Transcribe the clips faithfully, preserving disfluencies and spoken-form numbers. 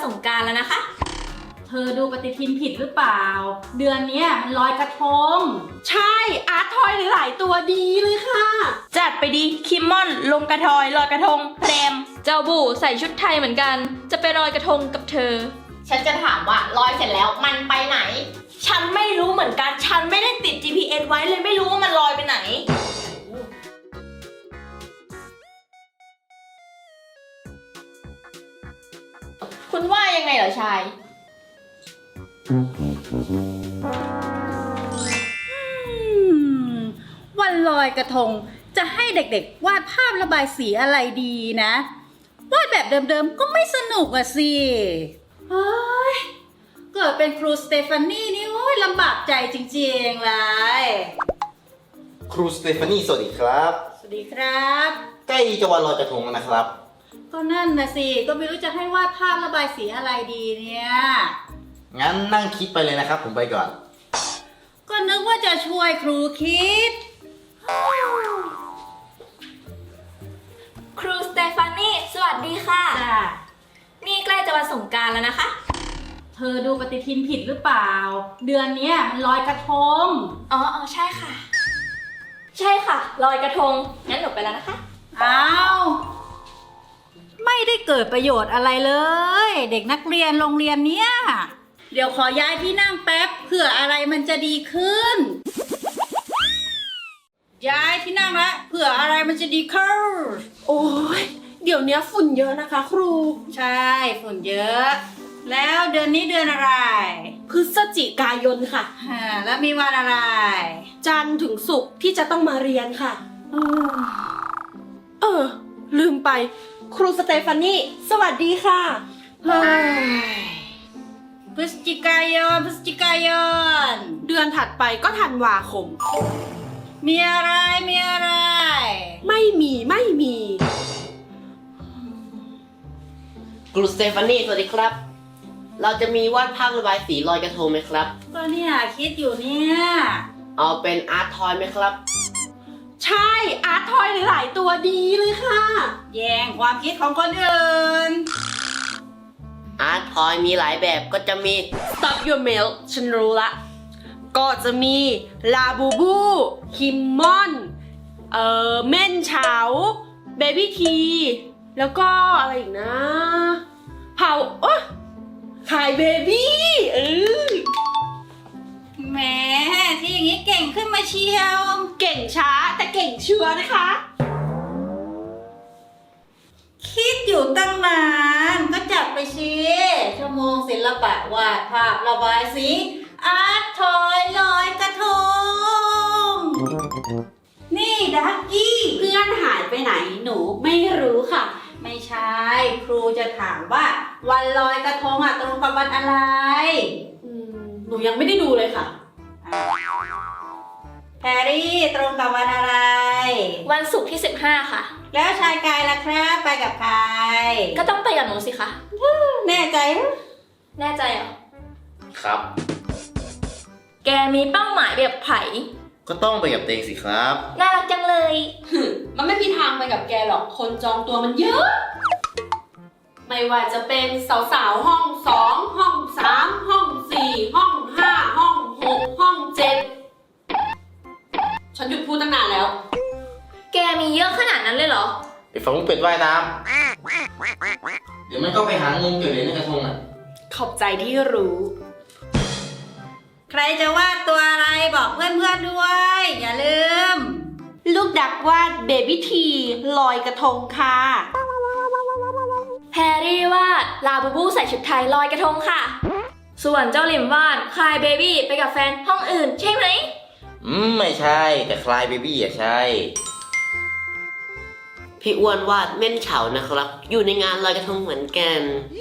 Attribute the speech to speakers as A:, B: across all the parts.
A: งกรานต์แล้วนะคะ
B: เธอดูปฏิทินผิดหรือเปล่าเดือนนี้มันลอยกระทง
C: ใช่อาร์ตทอยหลายๆตัวดีเลยค่ะ
A: จัดไปดิคิมมอนลงกระทอยลอยกระทงแพรมเจ้าบู่ใส่ชุดไทยเหมือนกันจะไปลอยกระทงกับเธอ
D: ฉันจะถามว่าลอยเสร็จแล้วมันไปไหน
A: ฉันไม่รู้เหมือนกันฉันไม่ได้ติด จี พี เอส ไว้เลยไม่รู้ว่ามันลอยไปไหนคุณว่ายังไงเหรอชาย
B: วันลอยกระทงจะให้เด็กๆวาดภาพระบายสีอะไรดีนะวาดแบบเดิมๆก็ไม่สนุกอะสิเฮ้ยเกิดเป็นครูสเตฟานี่นี่โอ้ยลำบากใจจริงๆเลย
E: ครูสเตฟานี่สวัสดีครับ
B: สวัสดีครับ
E: ใกล้จะวันลอยกระทงแล้วนะครับ
B: ก็นั่นนะสิก็ไม่รู้จะให้วาดภาพระบายสีอะไรดีเนี่ย
E: งั้นนั่งคิดไปเลยนะครับผมไปก่อน
B: ก็นึกว่าจะช่วยครูคิด
A: ครูสเตฟานี่สวัสดีค่ะนี่ใกล้จะวันสงกรานต์แล้วนะคะ
B: เธอดูปฏิทินผิดหรือเปล่าเดือนนี้มันลอยกระทง
A: อ๋ออ๋อใช่ค่ะใช่ค่ะลอยกระทงงั้นหนูไปแล้วนะคะ
B: อ้าวไม่ได้เกิดประโยชน์อะไรเลยเด็กนักเรียนโรงเรียนเนี้ยเดี๋ยวขอย้ายที่นั่งแป๊บเผื่ออะไรมันจะดีขึ้นย้ายที่นั่งละเผื่ออะไรมันจะดีขึ้น
C: โอ้ยเดี๋ยวนี้ฝุ่นเยอะนะคะครู
B: ใช่ฝุ่นเยอะแล้วเดือนนี้เดือนอะไร
C: พฤศจิกายนค่ะ
B: แล้วมีวันอะไร
C: จันทร์ถึงศุกร์ที่จะต้องมาเรียนค่ะเออลืมไปครูสเตฟานี่สวัสดีค่ะ
B: พฤศจิกายนพฤศจิกายน
C: เดือนถัดไปก็ธันวาคม
B: มีอะไรมีอะไร
C: ไม่มีไม่มี
F: ครูสเตฟานี่สวัสดีครับเราจะมีวาดภาพระบายสีลอยกระทงไหมครับ
B: ก็เนี่ยคิดอยู่เนี่ย
F: เอาเป็นอาร์ตทอยไหมครับ
C: ใช่อาร์ตทอยหลายๆตัวดีเลยค่ะ
B: แย่งความคิดของคนอื่น
F: อาร์ตทอยมีหลายแบบก็จะมี
C: Stop Your Milk ฉันรู้ละก็จะมีลาบูบูคิมมอนเอ่อเม่นเฉาเบบี้ทีแล้วก็อะไรอีกนะเผาโอ๊ะขายเบบี้เออ
B: แหมที่อย่างนี้เก่งขึ้นมาเชียว
C: เก่งช้าแต่เก่งชัวร์นะคะ
B: คิดอยู่ตั้งนานก็จัดไปสิชั่วโมงศิลปะวาดภาพระบายสีอาร์ตทอยลอยกระทงนี่ดักกี้
C: เพื่อนหายไปไหนหนูไม่รู้ค่ะ
B: ไม่ใช่ครูจะถามว่าวันลอยกระทงอ่ะตรงกับวันอะไร
C: หนูยังไม่ได้ดูเลยค่ะ
B: แพรรี่ตรงกับวันอะไร
A: วันศุกร์ที่สิบห้าค่ะ
B: แล้วชายกายล่ะครับไปกับใคร
A: ก็ต้องไปกับหนูสิคะ
B: แน่ใจ
A: แน่ใจเหรอ
E: ครับ
A: แกมีเป้าหมายแบบไผ่
E: ก็ต้องไปกับเตงสิครับ
A: น่ารักจังเลย
C: มันไม่มีทางไปกับแกหรอกคนจองตัวมันเยอะไม่ว่าจะเป็นสาวๆห้องสองห้องสามห้องสี่ห้องห้าห้องหกห้องเจ็ดฉันหยุดพูดตั้งนานแล้ว
A: แกมีเยอะขนาดนั้นเลยเหรอ
E: ไปฟังลูกเป็ดว่ายน้ำเดี๋ยวมันก็ไปหาเงินเกี่ยวกับเรื่องกระทงอ่ะ
C: ขอบใจที่รู้
B: ใครจะวาดตัวอะไรบอกเพื่อนๆด้วยอย่าลืม
C: ลูกดักวาดเบบี้ทีลอยกระทงค่ะ
A: แพรรี่วาดลาบูบูใส่ชุดไทยลอยกระทงค่ะส่วนเจ้าหลิมวาดคลายเบบี้ไปกับแฟนห้องอื่นใช่ไหม
E: อืมไม่ใช่แต่คลายเบบี้อะใช่
F: พี่อ้วนวาดเม่นเฉานะครับอยู่ในงานลอยกระทงเหมือนกัน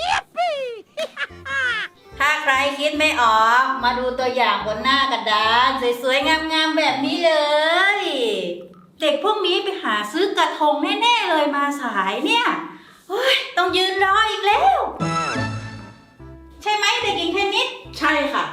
B: ถ้าใครคิดไม่ออกมาดูตัวอย่างบนหน้ากระดานสวยๆงามๆแบบนี้เลยเด็กพวกนี้ไปหาซื้อกระทงแน่ๆเลยมาสายเนี่ยต้องยืนรออีกแล้วใช่ไหมเด็กหญิงเทนนิส
C: ใช่ค่ะ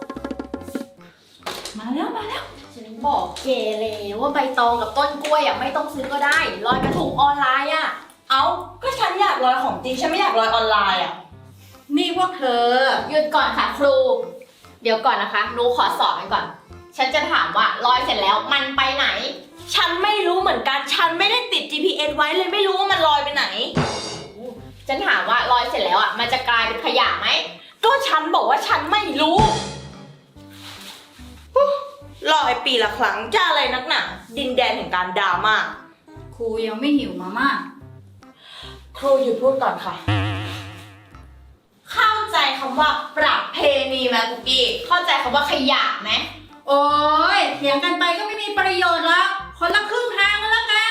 B: มาแล้วมาแล้ว
D: ฉันบอกเกเลยว่าใบตองกับต้นกล้วยอ่ะไม่ต้องซื้อก็ได้ลอยกระทงออนไลน์อ่ะ
C: เอาก็ฉันอยากลอยของจริงฉันไม่อยากลอยออนไลน์อ่ะ
B: นี่พวกเธอ
D: หยุดก่อนค่ะครู เดี๋ยวก่อนนะคะหนูขอสอบกันก่อน ฉันจะถามว่าลอยเสร็จแล้วมันไปไหน
C: ฉันไม่รู้เหมือนกัน ฉันไม่ได้ติด จี พี เอส ไว้เลยไม่รู้ว่ามันลอยไปไหน
D: ฉันถามว่าลอยเสร็จแล้วอ่ะมันจะกลายเป็นขยะไหม
C: ก็ฉันบอกว่าฉันไม่รู้ลอยปีละครั้งจะอะไรนักหนาดินแดนแห่งการดราม่า
B: ครูยังไม่หิวมาม่า
C: ครูหยุดพูดก่อนค่ะ เข้าใจคำว่าประเพณีไหมกุกกี้
D: เข้าใจคำว่าขยะไหม
B: โอ้ยเถียงกันไปก็ไม่มีประโยชน์หรอกคนละครึ่งทางก็แล้วกัน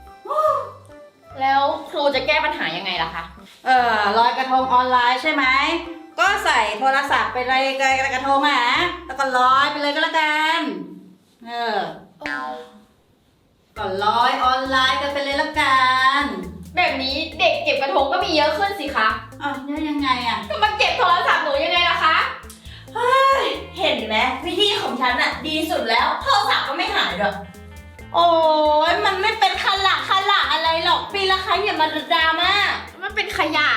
D: แล้วครูจะแก้ปัญหายังไงล่ะคะ
B: เออลอยกระทงออนไลน์ใช่ไหม ก็ใส่โทรศัพท์ไปเลยกระทงอ่ะแล้วก็ลอยไปเลยก็แล้วกัน เออ ก็ลอยออนไลน์กันไปเลยละกัน
D: แบบนี้เด็กเก็บกระทงก็มีเยอะขึ้นสิคะ
B: อ่ะแล้วยังไงอ่ะ
D: มันเก็บโทรศัพท์หนูยังไงล่ะคะ
C: เห็นไหมวิธีของฉันอะดีสุดแล้วโทรศัพท์ก็ไม่หายหรอกโอ้ยมันไม่เป็นขละขละอะไรหรอกปีละครั้งอย่ามาดราม่า
D: มันเป็นขยะ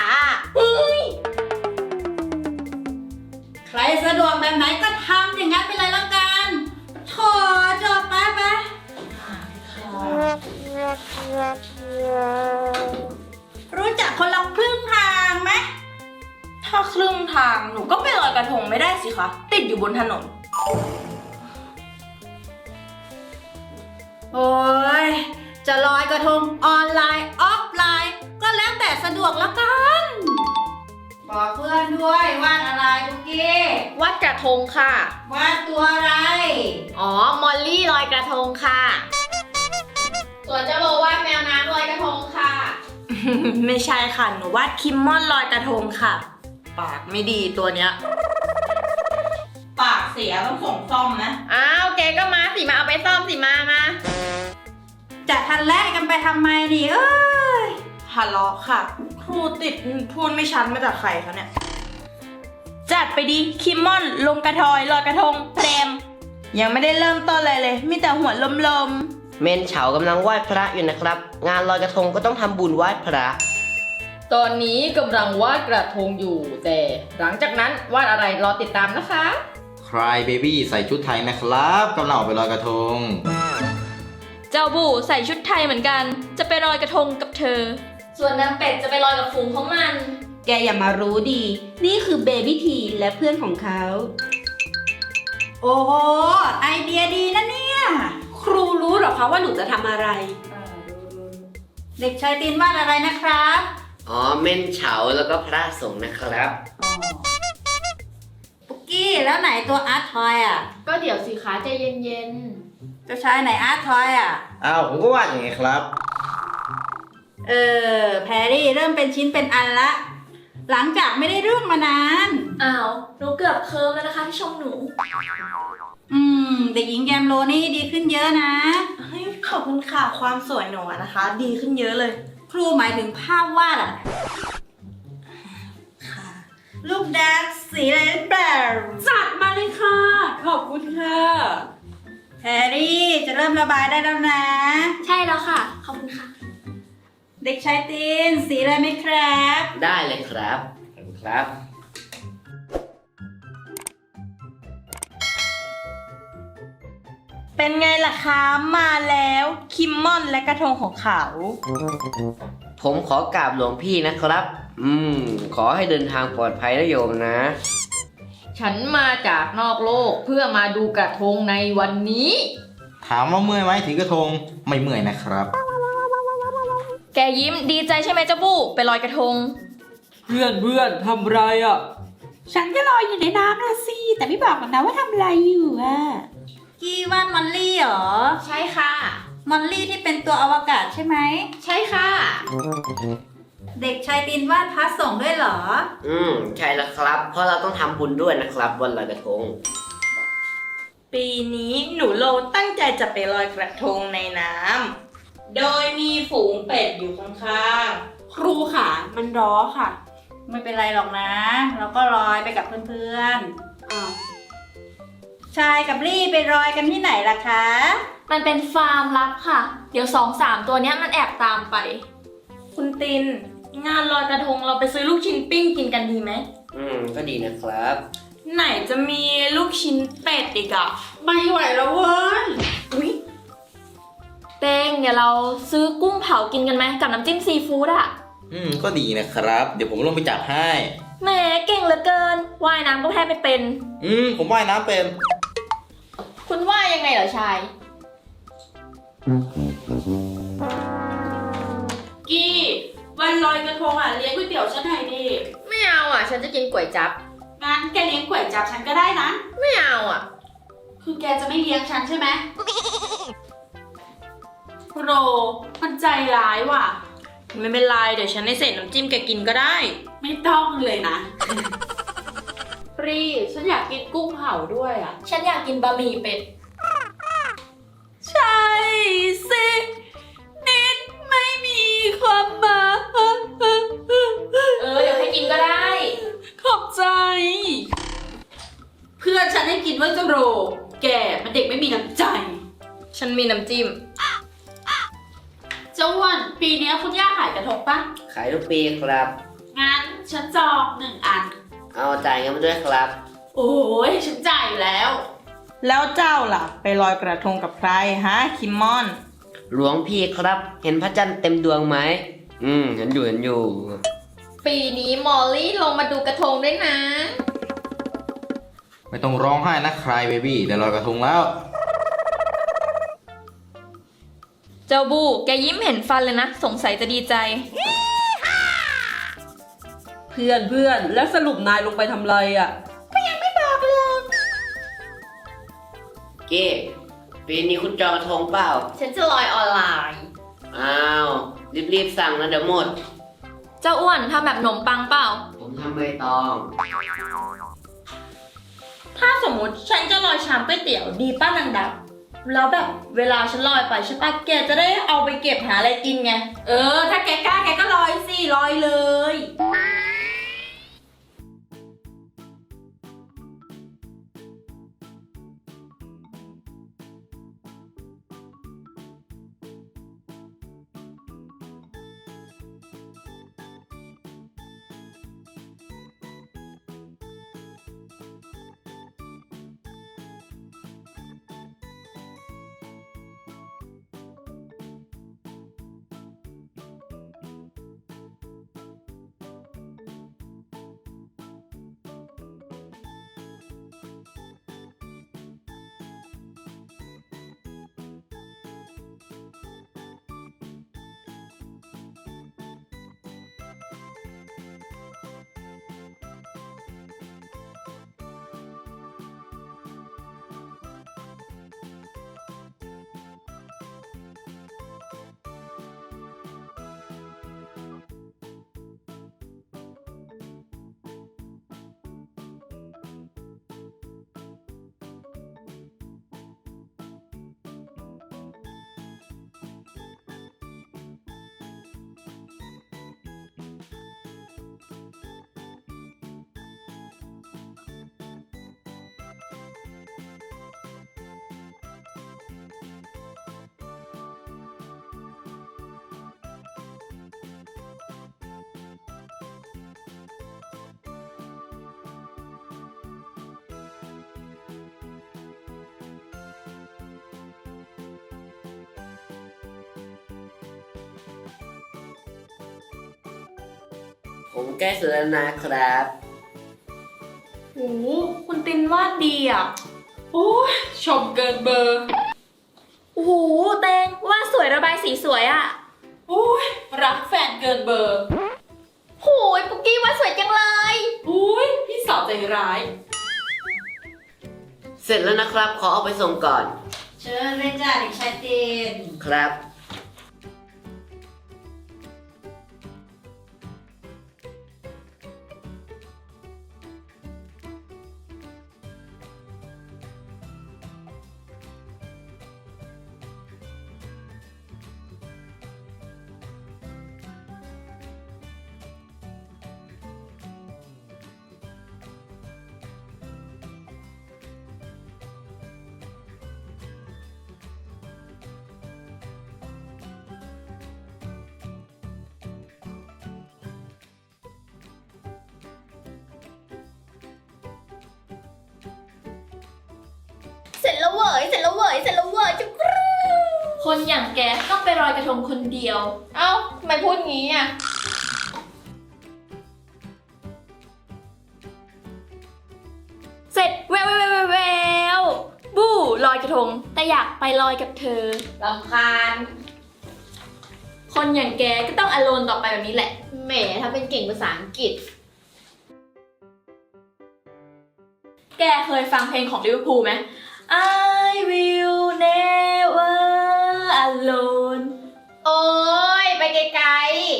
B: ใครสะดวกแบบไหนก็ทำอย่างนั้นไปเลยละกันโถจบไปไปรู้จักคนละครึ่งทางไหม
C: ถ้าครึ่งทางหนูก็ไปลอยกระทงไม่ได้สิคะติดอยู่บนถนน
B: โอ้ยจะลอยกระทงออนไลน์ออฟไลน์ก็แล้วแต่สะดวกละกันบอกเพื่อนด้วยวาดอะไรคุกกี้
D: วาดกระทงค่ะ
B: วาดตัวอะไร
D: อ๋อ มอลลี่ลอยกระทงค่ะ ส่วนเจ้าโลวาดแมวน้ำลอยกระทงค่ะ
C: ไม่ใช่ค่ะหนูวาดคิมมอนลอยกระทงค่ะ ปากไม่ดีตัวเนี้ย ปากเสียต้องส่งซ่อมนะ
D: อ้าวแกก็มาสิมาเอาไปซ่อมสิมามา
B: จะทันแรกกันไปทำไมนี่เอ้ย
C: ทะเลาะค่ะ ครูติดพูดไม่ชัดมาจากใครเขาเนี่ย จัดไปดีคิมมอนลงกระทอยลอยกระทงเพลมยังไม่ได้เริ่มต้นอะไรเลย มีแต่หัวลม
F: เมนเฉากำลังไหว้พระอยู่นะครับ งานลอยกระทงก็ต้องทำบุญไหว้พระ
G: ตอนนี้กำลังวาดกระทงอยู่ แต่หลังจากนั้นวาดอะไรรอติดตามนะคะ
E: Cry Baby ใส่ชุดไทยนะครับกำลังออกไปลอยกระทง
A: เจ้าบูใส่ชุดไทยเหมือนกัน จะไปลอยกระทงกับเธอ ส่วนนางเป็ดจะไปลอยกับฝูงของมัน
C: ๆ แกอย่ามารู้ดี นี่คือเบบี้ทีและเพื่อนของเขา
B: โอ้โหไอเดียดีนะเนี่ย
C: ครูรู้หรอคะว่าหนูจะทำอะไร
B: เด็กชายตีนวาดอะไรนะครับ
F: อ๋อ เมนเฉาแล้วก็พระสงฆ์นะครับ
B: ปุกกี้แล้วไหนตัวอาร์ตทอยอ่ะ
D: ก็เดี๋ยวสิคะใจเย็น
B: เจ้าชายไหนอาร์ตทอยอ่ะ
E: อ้าวผมก็วาดอย่างไงครับ
B: เออแพรรี่เริ่มเป็นชิ้นเป็นอันละ หลังจากไม่ได้เรื่องมานาน
A: อ้าวหนูเกือบเคิร์มแล้วนะคะที่ชมหนู
B: อืมเด็กหญิงแกมโลนี่ดีขึ้นเยอะนะ
C: เฮ้ยขอบคุณค่ะความสวยหนูอะนะคะ ดีขึ้นเยอะเลย
B: ครูหมายถึงภาพวาดอ่ะ
C: ค่ะ
B: ลูกแดงสีอะไรหรือเปล่า
C: จัดมาเลยค่ะ ขอบคุณค่ะ
B: แพรรี่จะเริ่มระบายได้แล้วนะ
A: ใช่แล้วค่ะ ขอบคุณค่ะ
B: เด็กชายตีนสีอะไรไหมครับ
F: ได้เลยครับขอบคุณครับ
C: เป็นไงล่ะคะมาแล้วคิมมอนและกระทงของเขา
F: ผมขอกราบหลวงพี่นะครับ อืม ขอให้เดินทางปลอดภัยนะโยมนะ
G: ฉันมาจากนอกโลกเพื่อมาดูกระทงในวันนี้
E: ถามว่าเมื่อยไหมถือกระทงไม่เมื่อยนะครับ
A: แกยิ้มดีใจใช่ไหมเจ้าบูไปลอยกระทง
H: เพื่อนเพื่อนทำไรอ่ะ
C: ฉันก็ลอยอยู่ในน้ำนะสิแต่ไม่บอกหรอกนะว่าทำอะไรอยู่อะ
B: กี้วาดมอลลี่เหรอ
D: ๆ ใช่ค่ะ
B: มอลลี่ที่เป็นตัวอวกาศใช่ไหม
D: ใช่ค่ะ
B: เด็กชายตีนวาดพระสงฆ์ด้วยเหรอ
F: อืม ใช่แล้วครับ เพราะเราต้องทำบุญด้วยนะครับวันลอยกระทง
C: ปีนี้หนูโลตั้งใจจะไปลอยกระทงในน้ำโดยมีฝูงเป็ดอยู่ข้างๆครูค่ะ มันร้อค่ะ
B: ไม่เป็นไรหรอกนะ เราก็ลอยไปกับเพื่อนๆอ้าวชายกับลี่ไปลอยกันที่ไหนล่ะคะ
A: มันเป็นฟาร์มลับค่ะ เดี๋ยวสองสามตัวเนี้ยมันแอบตามไป
C: คุณติน งานลอยกระทงเราไปซื้อลูกชิ้นปิ้งกินกันดี
A: ดีไหม
F: อืม ก็ดีนะครับ
C: ไหนจะมีลูกชิ้นเป็ดอีกอะไม่ไหวแล้วเว้ย
A: อุ๊ยเต้งเดี๋ยวเราซื้อกุ้งเผากินกันไหมกับน้ำจิ้มซีฟู้ดอะ
E: อืม ก็ดีนะครับ เดี๋ยวผมลงไปจับให้
A: แหมเก่งเหลือเกินว่ายน้ำก็แทบไม่เป็น
E: อืม ผมว่ายน้ำเป็น
D: คุณว่ายังไงเหรอชาย
C: กี้วันลอยกระทงอ่ะเลี้ยงก๋วยเตี๋ยวฉันหน่อยดิ
D: ไม่เอาอ่ะ ฉันจะกินก๋วยจั๊บ
C: งั้นแกเลี้ยงก๋วยจับฉันก็ได้นะ
D: ไม่เอาอ่ะ
C: คือแกจะไม่เลี้ยงฉันใช่ไหมโรมันใจร้ายว่ะ ไม่เป็นไรเดี๋ยวฉันให้เศษน้ำจิ้มแกกินก็ได้ ไม่ต้องเลยนะ ปรีฉันอยากกินกุ้งเผาด้วยอ่ะ
A: ฉันอยากกินบะหมี่เป็ด
C: ใช่สินิดไม่มีความหมาย
A: เออเดี๋ยวให้กินก็ได้
C: ขอบใจ เพื่อนฉันให้กินว่าจะโร แกมันเด็กไม่มีน้ำใจ
D: ฉันมีน้ำจิ้ม
C: เจ้าอ้วันปีนี้คุณย่าขายกระทงปะ
F: ขายทุกปีครับ
C: งั้นฉันจองหนึ่งอัน
F: เอาจ่ายเงินมาด้วยครับ
C: โอ้ยฉันจ่ายอยู่แล้ว
I: แล้วเจ้าล่ะ ไปลอยกระทงกับใครฮะ คิมมอน
F: หลวงพี่ครับ เห็นพระจันทร์เต็มดวงไหม อืม เห็นอยู่เห็นอยู่
D: ปีนี้มอลลี่ลงมาดูกระทงด้วยนะ
E: ไม่ต้องร้องไห้นะคลายเบบี้เดี๋ยวลอยกระทงแล้ว
A: เจ้าบูแกยิ้มเห็นฟันเลยนะ สงสัยจะดีใจ
H: เพื่อนเพื่อนแล้วสรุปนายลงไปทำไรอ่ะ
F: เก้ปีนี้คุณจองกระทงเปล่า
D: ฉันจะลอยออนไลน์
F: อ้าว รีบๆสั่งนะเดี๋ยวหมด
A: เจ้าอ้วนทำแบบขนมปังเปล่า
F: ผมทำใบตอง
C: ถ้าสมมติฉันจะลอยชามก๋วยเตี๋ยวดีป้านางดับ แล้วแบบเวลาฉันลอยไปใช่ปะแกจะได้เอาไปเก็บหาอะไรกินไง เออ ถ้าแกกล้าแกก็ลอยสิลอยเลย
F: ผมใกล้เสร็จแล้วนะครับ
C: โอ้โหคุณตินวาดดีอ่ะ โอ้ยชมเกินเบอร์
A: โอ้โหเตงว่าดสวยระบายสีสวยอะ
C: โอ้ยรักแฟนเกินเบอร์
D: โหยปุกกี้ว่าสวยจังเลย
C: อุ้ยพี่สาวใจร้าย
F: เสร็จแล้วนะครับ ขอเอาไปส่งก่อน
B: เชิญเลยจ้าเด็กชายเตน
F: ครับ
D: เสร็จแล้วเว้ยเสร็จแล้วเว้ยเสร็จแล้วเว้ยจุกรู
A: คนอย่างแกต้องไปลอยกระทงคนเดียว
D: เอ้าทำไมพูดงี้อ่ะ
A: เสร็จแววแววแววแววบู้ลอยกระทง แต่อยากไปลอยกับเธอ
D: รำคาญ
A: คนอย่างแกก็ต้องอโลนต่อไปแบบนี้แหละ
D: แหมถ้าเป็นเก่งภาษาอังกฤษ
A: แกเคยฟังเพลงของลิเวอร์พูลไหม I will never alone
D: โอ้ยไปไกล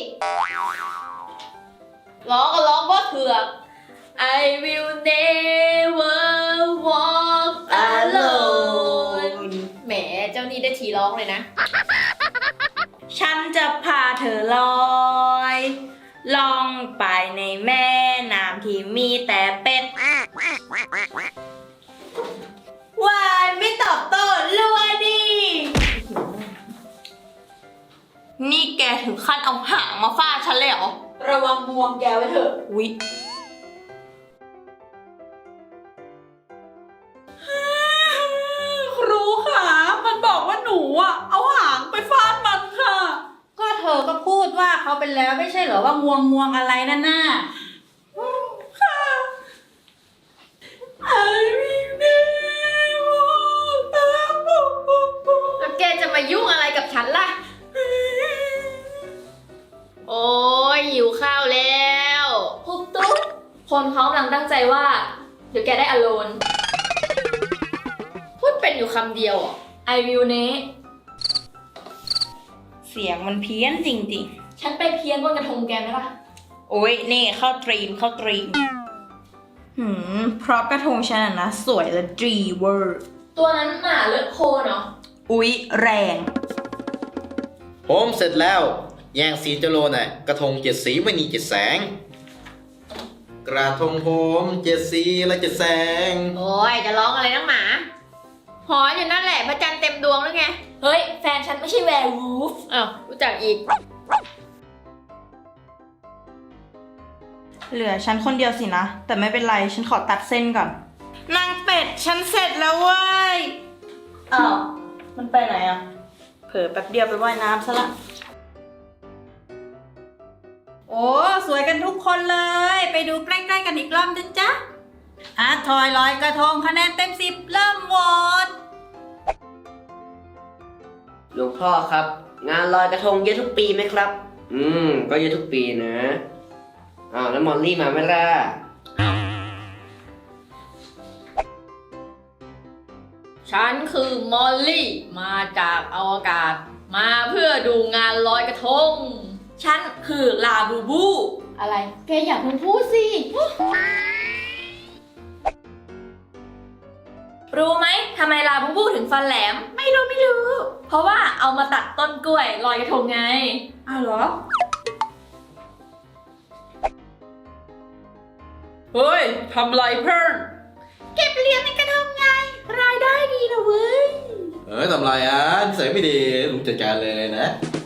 D: ๆร้องก็ร้องว่าเถือก
A: I will never walk alone
D: แหมเจ้านี่ได้ทีร้องเลยนะ
I: ฉันจะพาเธอลอยล่องไปในแม่น้ำที่มีแต่เป็ดวายไม่ตอบโต้รัวดิ
A: นี่แกถึงขั้นเอาหางมาฟาดฉันเลยเหรอ
I: ระวังบวงแกไว้เถอะวิครูค่ะมันบอกว่าหนูอ่ะเอาหางไปฟาดมันค่ะ
B: ก็เธอก็พูดว่าเขาเป็นแล้วไม่ใช่เหรอว่างวงงวงอะไรนั่นน่ะ
D: แล้วแกจะมายุ่งอะไรกับฉันล่ะ โอ้ยหิวข้าวแล้ว
A: พุบตุ๊บคนเขากำลังตั้งใจว่า เดี๋ยวแกได้อโลน
D: พูดเป็นอยู่คำเดียวเหรอ
A: I will ne
I: เสียงมันเพี้ยนจริง
A: ฉันไปเพี้ยนบนกระทงแกไหมล่ะ
I: ๆ โอ้ยนี่เข้าตรีมเข้าตรีมหืมเพราะกระทงฉันน่ะนะ สวยและดีเวอร์
A: ตัวนั้นหมาเลือดโคเนาะ
I: อุ๊ย แรง
E: ผมเสร็จแล้ว แย่งสีเจโลน่ะกระทงเจ็ดสีไม่มีเจ็ดแสง กระทงผมเจ็ดสีและเจ็ดแสง
D: โอ้ยจะร้องอะไรนักหมา หอนอยู่นั่นแหละพระจันทร์เต็มดวงหรือไง
A: เฮ้ย แฟนฉันไม่ใช่แวร์วูฟ
D: อ้าวรู้จักอีก
I: เหลือฉันคนเดียวสินะ แต่ไม่เป็นไร ฉันขอตัดเส้นก่อน นางเป็ด ฉันเสร็จแล้วเว้ย อ้าว มันไปไหนอ่ะ เผลอแป๊บเดียวไปว่ายน้ำซะละ
B: โอ้สวยกันทุกคนเลย ไปดูใกล้ๆกันอีกรอบนะจ๊ะอาร์ตทอยลอยกระทงคะแนนเต็มสิบเริ่มโหวต
F: หลวงพ่อครับ งานลอยกระทงเยอะทุกปีไหมครับ อืม ก็เยอะทุกปีนะ อ้าวแล้วมอลลี่มาไหมล่ะ
G: ฉันคือมอลลี่ มาจากอวกาศ มาเพื่อดูงานลอยกระทง
A: ฉันคือลาบูบู
D: อะไร แกอยากมันพูดสิ
A: รู้ไหมทำไมลาบูบูถึงฟันแหลม ไม่รู้ไม่รู้ เพราะว่าเอามาตัดต้นกล้วยลอยกระทงไง
I: อ้าวเหรอ
H: เฮ้ย ทำไรเพิ่น
B: เก็บเหรียญในกระทงไง รายได้ดีนะเว้ย
E: เอ้ยทำไรอ่ะนิสัยไม่ดีลุงจัดการเลยนะ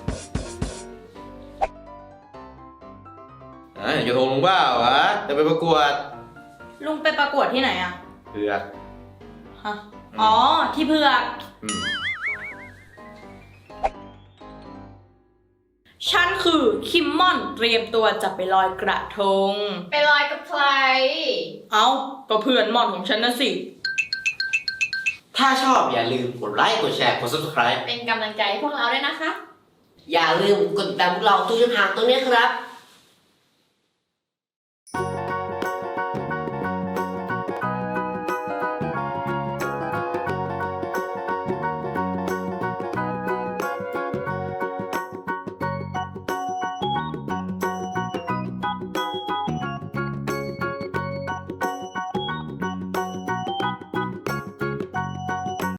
E: อ่ะอย่าโทรลุงบ้าวะจะไปประกวด
I: ลุงไปประกวดที่ไหนอ่ะ
E: เผือก
I: ฮะ อ๋อ ที่เผือก
E: อืม
I: ฉันคือคิมมอนเตรียมตัวจะไปลอยกระทง
D: ไปลอยกับใคร
I: เอ้า ก็เพื่อนมอนของฉันนะสิ
E: ถ้าชอบอย่าลืมกดไลค์กดแชร์กด ซับสไครบ์
D: เป็นกำลังใจให้พวกเราด้วยนะคะ
F: อย่าลืมกดติดตามพวกเราทุกช่องทางตรงนี้ครับ